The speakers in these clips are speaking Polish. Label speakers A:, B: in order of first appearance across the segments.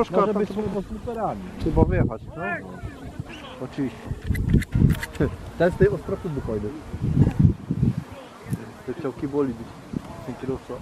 A: troszkę...
B: Może być pod sliperami.
A: Chyba wyjechać, no? Oczywiście.
B: Ten z tej ostrotu wypojdę.
A: Te ciałki boli być. Ten kierowca.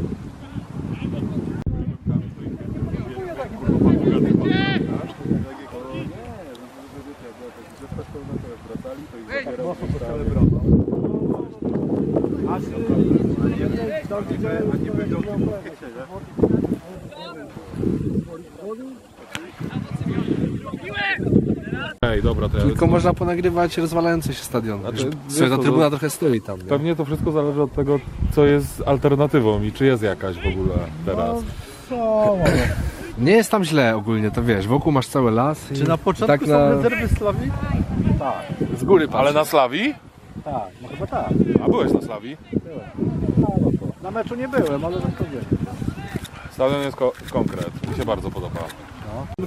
C: Ej, dobra, to ja
D: Tylko można ponagrywać rozwalający się stadion.
C: A to-
D: Słuchaj, ta
C: to-
D: trybuna trochę stoi tam, nie?
C: Pewnie to wszystko zależy od tego, co jest alternatywą i czy jest jakaś w ogóle teraz.
D: Nie jest tam źle ogólnie, to wiesz, wokół masz cały las.
A: Czy na początku
D: tak
A: są rezerwy Slawii?
D: z góry patrz.
C: Ale na Slawii?
A: Tak, no chyba tak.
C: A byłeś na Slawii?
A: Na meczu nie byłem, ale tak to wiem.
C: Stadion jest konkret, mi się bardzo podoba.
A: No.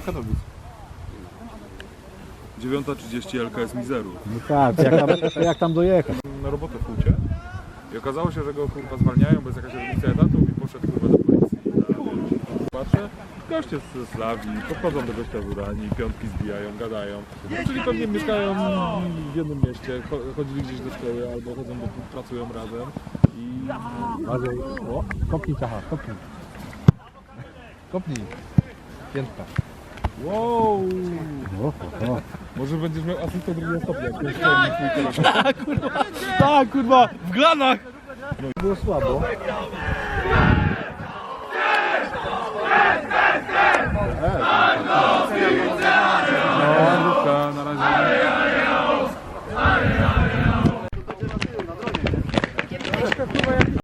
C: 9:30 LKS Mizeru.
B: No tak, jak tam dojechać?
C: Na robotę w Hucie i okazało się, że go kurwa zwalniają, bo jest jakaś redukcja etatów i poszedł kurwa do policji. Patrzę, goście z Slawii, podchodzą do gościa w Uranii, piątki zbijają, gadają. No, czyli pewnie mieszkają w jednym mieście, chodzili gdzieś do szkoły albo chodzą, bo pracują razem i...
B: O, kopnij Czacha, kopnij. Kopnij. Piętka.
C: Wow!
B: O.
C: Może będziesz miał asystę drugiego stopnia, jak ten szkolnik twój telefon.
B: Tak, kurwa, w glanach! Było słabo.